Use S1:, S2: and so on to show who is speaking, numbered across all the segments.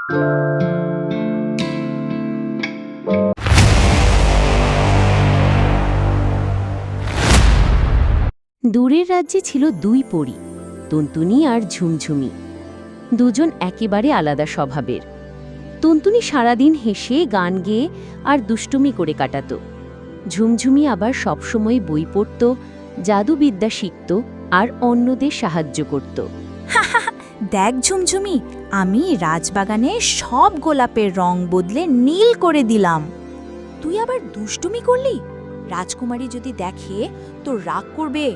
S1: দূরের রাজ্যে ছিল দুই পরী, টুনটুনি আর ঝুমঝুমি। দুজন একেবারে আলাদা স্বভাবের। টুনটুনি সারাদিন হেসে গান গেয়ে আর দুষ্টুমি করে কাটাত। ঝুমঝুমি আবার সবসময় বই পড়ত, জাদুবিদ্যা শিখত আর অন্যদের সাহায্য করত।
S2: দেখ ঝুমঝুমি, আমি রাজবাগানে সব গোলাপের রং বদলে নীল করে দিলাম। তুই আবার দুষ্টুমি করলি? রাজকুমারী যদি দেখে তোর রাগ করবে।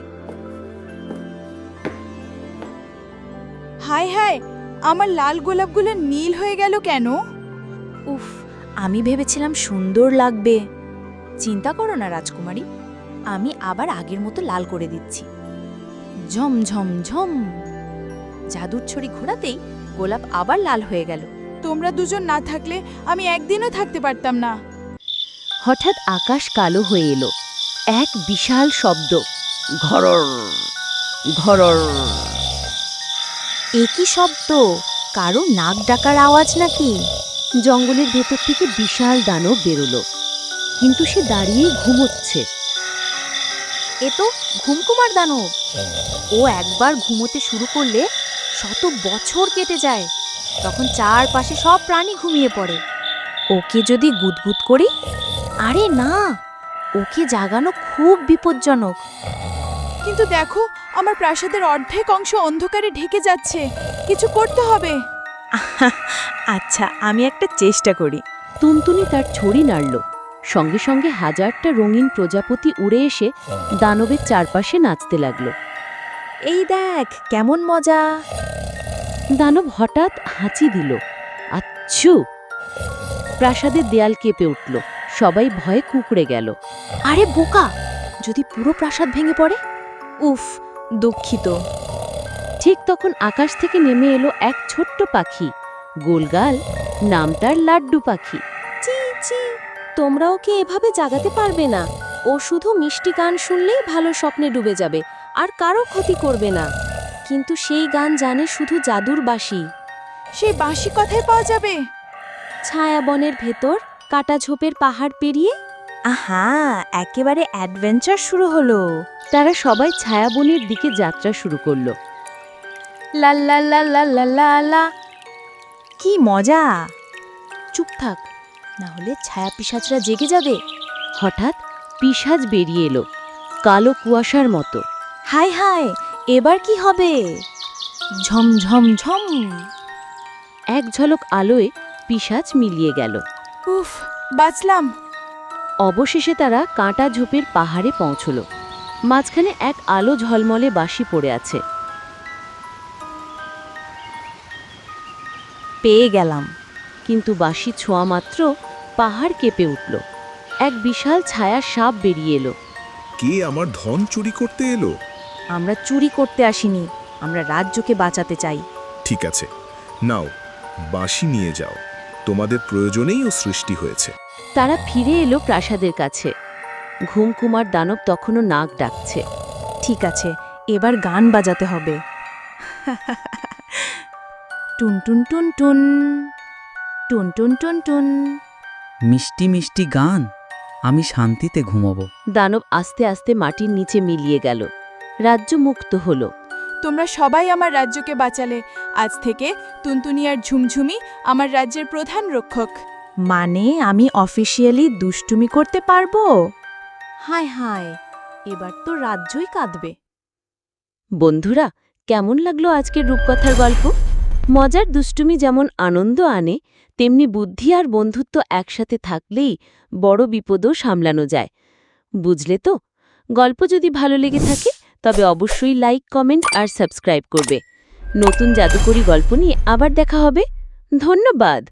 S3: হায় হায়, আমার লাল গোলাপগুলো নীল হয়ে গেল কেন?
S2: উফ, আমি ভেবেছিলাম সুন্দর লাগবে। চিন্তা করো না রাজকুমারী, আমি আবার আগের মতো লাল করে দিচ্ছি। ঝম ঝম ঝম, জাদুর ছড়ি ঘোরাতেই গোলাপ আবার লাল হয়ে গেল।
S3: তোমরা দুজন না থাকলে আমি একদিনও থাকতে পারতাম না।
S1: হঠাৎ আকাশ কালো হয়ে এলো। এক বিশাল শব্দ, ঘরর ঘরর।
S2: এ কি শব্দ? কারো নাক ডাকার আওয়াজ নাকি?
S1: জঙ্গলের ভেতর থেকে বিশাল দানব বেরোলো, কিন্তু সে দাঁড়িয়েই ঘুমোচ্ছে।
S2: এ তো ঘুমকুমার দানব। ও একবার ঘুমোতে শুরু করলে শত বছর কেটে যায়। তখন চারপাশে সব প্রাণী ঘুমিয়ে পড়ে। ওকে যদি গুদগুদ করি? আরে না, ওকে জাগানো খুব বিপজ্জনক।
S3: কিন্তু দেখো, আমার প্রাসাদের অর্ধেক অংশ অন্ধকারে ঢেকে যাচ্ছে। কিছু করতে হবে।
S2: আচ্ছা, আমি একটা চেষ্টা করি।
S1: টুনটুনি তার ছড়ি নাড়ল। সঙ্গে সঙ্গে হাজারটা রঙিন প্রজাপতি উড়ে এসে দানবের চারপাশে নাচতে লাগল।
S2: এই দেখ কেমন মজা।
S1: দানব হঠাৎ হাঁচি দিল, আচ্ছু! প্রাসাদের দেয়াল কেঁপে উঠল। সবাই ভয়ে কুঁকড়ে গেল।
S2: আরে বোকা, যদি পুরো প্রাসাদ ভেঙে পড়ে? উফ, দুঃখিত।
S1: ঠিক তখন আকাশ থেকে নেমে এলো এক ছোট্ট পাখি, গোলগাল, নাম তার লাড্ডু পাখি।
S2: চি চি, তোমরা ওকে এভাবে জাগাতে পারবে না। ও শুধু মিষ্টি গান শুনলেই ভালো স্বপ্নে ডুবে যাবে আর কারো ক্ষতি করবে না। কিন্তু সেই গান জানে শুধু জাদুর বাঁশি।
S3: সেই বাঁশি কথায় পাওয়া যাবে?
S2: ছায়াবনের ভেতর কাটা ঝোপের পাহাড় পেরিয়ে। আহা, একেবারে অ্যাডভেঞ্চার শুরু হলো।
S1: তারা সবাই ছায়াবনের দিকে যাত্রা শুরু করলো।
S2: লা লা লা লা লা লা লা। কি মজা! চুপ থাক, না হলে ছায়া পিশাচরা জেগে যাবে।
S1: হঠাৎ পিশাচ বেরিয়ে এলো, কালো কুয়াশার মতো।
S2: হায় হায়, এবার কি হবে? ঝম ঝম ঝম।
S1: এক ঝলক আলোয় পিশাচ মিলিয়ে গেল।
S3: উফ, বাঁচলাম।
S1: অবশেষে তারা কাঁটা ঝোপের পাহাড়ে পৌঁছল। মাঝখানে এক আলো ঝলমলে বাঁশি পড়ে আছে।
S2: পেয়ে গেলাম।
S1: কিন্তু বাঁশি ছোঁয়া মাত্র পাহাড় কেঁপে উঠল। এক বিশাল ছায়া সাপ বেরিয়ে এলো।
S4: কে আমার ধন চুরি করতে এলো?
S2: আমরা চুরি করতে আসিনি, আমরা রাজ্যকে বাঁচাতে চাই।
S4: ঠিক আছে, নাও, বাঁশি নিয়ে যাও। তোমাদের প্রয়োজনেই ও সৃষ্টি হয়েছে।
S1: তারা ফিরে এলো প্রাসাদের কাছে। ঘুমকুমার দানব তখনও নাক ডাকছে।
S2: ঠিক আছে, এবার গান বাজাতে হবে। টুন টুন টুন টুন, টুন টুন টুন টুন।
S5: মিষ্টি মিষ্টি গান, আমি শান্তিতে ঘুমাবো।
S1: দানব আস্তে আস্তে মাটির নিচে মিলিয়ে গেল। রাজ্য মুক্ত হলো।
S3: তোমরা সবাই আমার রাজ্যকে বাঁচালে। আজ থেকে টুনটুনি আর ঝুমঝুমি আমার রাজ্যের প্রধান রক্ষক।
S2: মানে আমি অফিসিয়ালি দুষ্টুমি করতে পারবো? হায় হায়, এবার তো রাজ্যই কাঁদবে।
S1: বন্ধুরা, কেমন লাগলো আজকের রূপকথার গল্প? মজার দুষ্টুমি যেমন আনন্দ আনে, তেমনি বুদ্ধি আর বন্ধুত্ব একসাথে থাকলেই বড় বিপদও সামলানো যায়। বুঝলে তো? গল্প যদি ভালো লেগে থাকে তবে অবশ্যই লাইক, কমেন্ট আর সাবস্ক্রাইব করবে। নতুন জাদুকরি গল্প নিয়ে আবার দেখা হবে। ধন্যবাদ।